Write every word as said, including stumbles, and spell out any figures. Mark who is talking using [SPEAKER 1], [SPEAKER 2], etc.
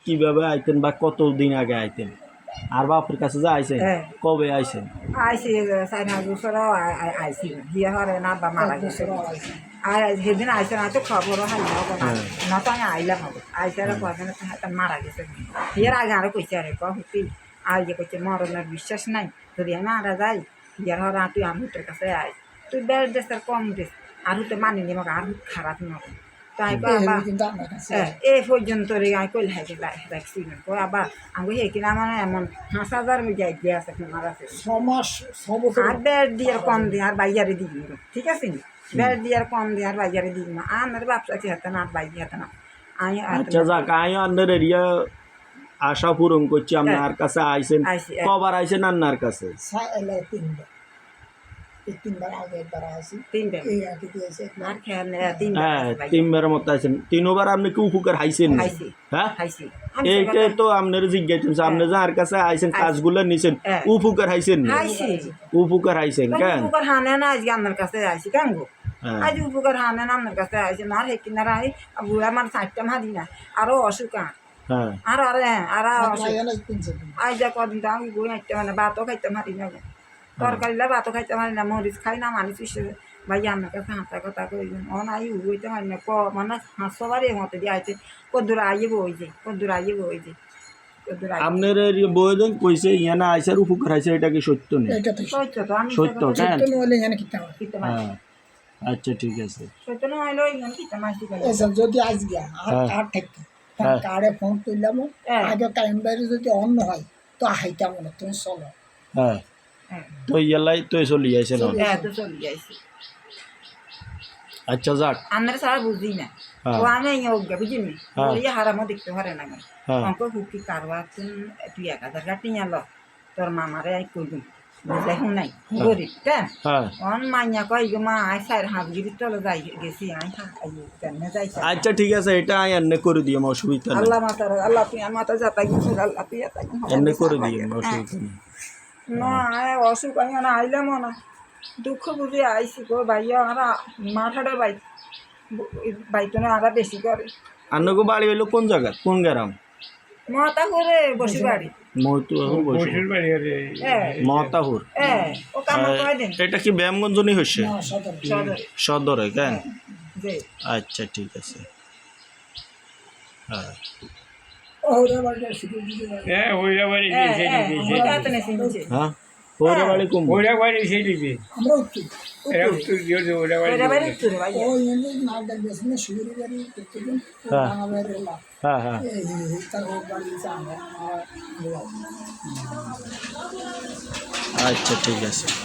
[SPEAKER 1] কিভাবে আইতেন বা কতদিন আগে আইতেন আর বাপের কাছে যে আইছেন কবে আইছেন
[SPEAKER 2] আইসি চার পাঁচ বছরও আইসি বিয়ে হরে না বা মারা গেছে আর সেদিন আইসে না তো খবরও হাই না তো আমি আইলাম হবে আইসে আর কদিন মারা গেছে বিয়ের আগে আরো কইছে আরে কী আর যে কইছে মরণের বিশ্বাস নাই যদি আমি মারা যাই বিয়ের হরে তুই আর হুটের কাছে আই তুই বেড় দেশ আর কম দেশ আর হুতে মানিনি আমাকে আর খারাপ না তো আমি এই পর্যন্ত রে আমি কইল হাই রাখছি আবার আমি হে কিনা মানে এমন পাঁচ হাজার মিটাই দিয়ে আছে আমার আছে আর বেড় দিয়ে কম দিয়ে আর বাইয়ারে দিই ঠিক আছে নি বেড় দিয়ে আর কম দিয়ে আর বাইয়ারে দিই না আর ব্যবসা কি হাতে না আর বাইরে হাতে না আমি
[SPEAKER 1] আচ্ছা যাক আমি আপনার এরিয়া আশা পূরণ করছি আপনার কাছে আইছেন কবার আইছেন আপনার কাছে তিনবার মতো আইছেন তিনবার আপনি কি উপকার হাইছেন হ্যাঁ এইটাই তো আপনার জিজ্ঞাসা আপনি যার কাছে আইছেন কাজগুলো নিছেন উপকার হাইছেন উপকার হাইছেন কেন
[SPEAKER 2] উপকার হানে না আজকে আপনার কাছে আইছি কেন গো আজ উপকার হানে না আপনার কাছে আইছে না হে কিনারা আই বুড়া আমার চারটা মারি না আরো অসুখ আর আর আর আজ যা কদিন তো আমি বই হাঁটতে মানে ভাতও খাইতে মারি না তরকারিলা ভাতও খাইতে পারি না মরিচ খাই না মানুষ ভাই আমার কাছে হাঁটা কথা কই ও নাই উইতে পারি না ক মানে হাঁসো বাড়ি মতো দিয়ে আইছে কদ্দুর আইয়ে বই যে কদ্দুর আইয়ে বই যে
[SPEAKER 1] আপনার বইজন কইছে ইয়ানা আইসার উপকার আইছে এটা কি সত্য না
[SPEAKER 2] সত্য তো আমি
[SPEAKER 1] সত্য কেন
[SPEAKER 2] নলে ইয়ানা কিতা কিতা
[SPEAKER 1] আচ্ছা ঠিক আছে
[SPEAKER 2] সত্য না হইলো ইয়ানা কিতা মাসি করে
[SPEAKER 3] এসব যদি আজ গিয়া আর আর ঠিক কারে ফোন কইলাম আগে টাইম বাইরে যদি অন্য হয় তো হাইতাম না তুমি চলো
[SPEAKER 1] হ্যাঁ তো ইয়ালাই তো চলি যাইছে না
[SPEAKER 2] হ্যাঁ তো চলি যাইছে
[SPEAKER 1] আচ্ছা যাক
[SPEAKER 2] আমরা সারা বুঝি না ও আমি ইয়োগা বুঝিনি ওই হারামো দেখতে পারে না অঙ্ক হুকি কারবা তুই এক হাজার টাকা টিয়া ল তোর মামারে আই কই দিন বুঝাই নাই গরিব কেন অন মাইয়া কই গো মা আই সাইর হাত গিরি চলে যাই গেছি আই কেন যাই
[SPEAKER 1] আচ্ছা ঠিক আছে এটা আই এনে করে দিও অসুবিধা নেই
[SPEAKER 2] আল্লাহ মাতার আল্লাহ তুই মাতা যাতাই আল্লাহ তুই যাতাই
[SPEAKER 1] এনে করে দিও অসুবিধা নেই
[SPEAKER 2] না আয় অসুখ আমি না আইলাম না দুঃখ বুঝে আইসি গো ভাইয়া আমরা মাথাটা বাই বাইতো না আরা বেশি করে
[SPEAKER 1] আন্নগো বাড়ি হইলো কোন জায়গা কোন গ্রাম
[SPEAKER 2] মতাহুর বসি বাড়ি
[SPEAKER 1] মতাহুর বসি বাড়ি মতাহুর
[SPEAKER 2] হ্যাঁ ও কাম করে দেন
[SPEAKER 1] এটা কি ব্যায়ামগঞ্জনি হইছে
[SPEAKER 2] সদর
[SPEAKER 1] সদরে কেন
[SPEAKER 2] জি
[SPEAKER 1] আচ্ছা ঠিক আছে হ্যাঁ
[SPEAKER 3] ওরা বাড়ি সিকিউরিটি
[SPEAKER 4] হ্যাঁ ওরা বাড়ি সেই দিকে
[SPEAKER 1] হ্যাঁ ওরা বাড়ি কোন
[SPEAKER 4] ওরা বাড়ি সেই দিকে
[SPEAKER 3] আমরা উত্তর
[SPEAKER 4] এরা উত্তর দিয়ে ওরা বাড়ি
[SPEAKER 2] ওরা বাড়ি উত্তর ভাই
[SPEAKER 3] ও এনে নাগদার বেসনে শুরু বাড়ি প্রত্যেকদিন আমাদের এলা
[SPEAKER 1] হ্যাঁ হ্যাঁ
[SPEAKER 3] এই তার বাড়ি আমরা
[SPEAKER 1] আচ্ছা ঠিক আছে।